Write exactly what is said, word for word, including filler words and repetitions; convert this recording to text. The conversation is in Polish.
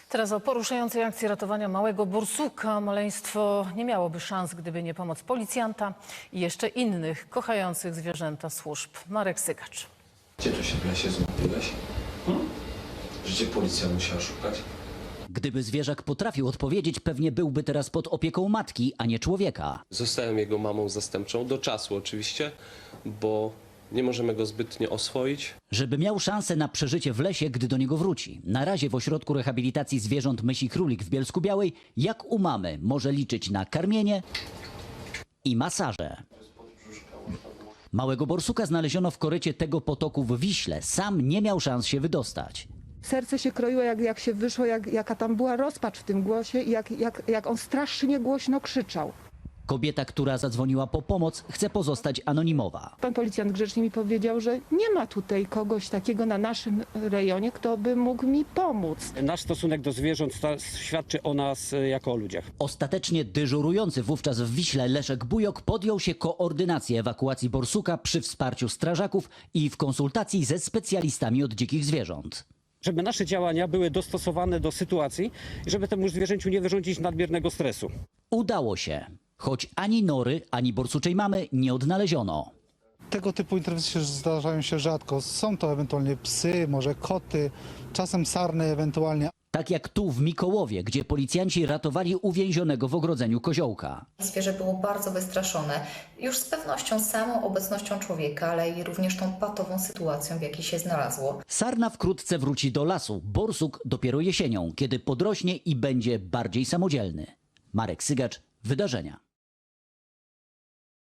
Teraz o poruszającej akcji ratowania małego borsuka. Maleństwo nie miałoby szans, gdyby nie pomoc policjanta i jeszcze innych kochających zwierzęta służb. Marek Sygacz. Gdzie tu się w lesie zgubiłeś? Hmm? Gdzie policja musiała szukać? Gdyby zwierzak potrafił odpowiedzieć, pewnie byłby teraz pod opieką matki, a nie człowieka. Zostałem jego mamą zastępczą, do czasu oczywiście, bo nie możemy go zbytnio oswoić. Żeby miał szansę na przeżycie w lesie, gdy do niego wróci. Na razie w Ośrodku Rehabilitacji Zwierząt Mysi Królik w Bielsku-Białej, jak u mamy, może liczyć na karmienie i masaże. Małego borsuka znaleziono w korycie tego potoku w Wiśle. Sam nie miał szans się wydostać. Serce się kroiło, jak, jak się wyszło, jak, jaka tam była rozpacz w tym głosie i jak, jak, jak on strasznie głośno krzyczał. Kobieta, która zadzwoniła po pomoc, chce pozostać anonimowa. Pan policjant grzecznie mi powiedział, że nie ma tutaj kogoś takiego na naszym rejonie, kto by mógł mi pomóc. Nasz stosunek do zwierząt świadczy o nas jako o ludziach. Ostatecznie dyżurujący wówczas w Wiśle Leszek Bujok podjął się koordynacji ewakuacji borsuka przy wsparciu strażaków i w konsultacji ze specjalistami od dzikich zwierząt. Żeby nasze działania były dostosowane do sytuacji i żeby temu zwierzęciu nie wyrządzić nadmiernego stresu. Udało się, choć ani nory, ani borsuczej mamy nie odnaleziono. Tego typu interwencje zdarzają się rzadko. Są to ewentualnie psy, może koty, czasem sarny ewentualnie. Tak jak tu w Mikołowie, gdzie policjanci ratowali uwięzionego w ogrodzeniu koziołka. Zwierzę było bardzo wystraszone, już z pewnością samą obecnością człowieka, ale i również tą patową sytuacją, w jakiej się znalazło. Sarna wkrótce wróci do lasu, borsuk dopiero jesienią, kiedy podrośnie i będzie bardziej samodzielny. Marek Sygacz, Wydarzenia.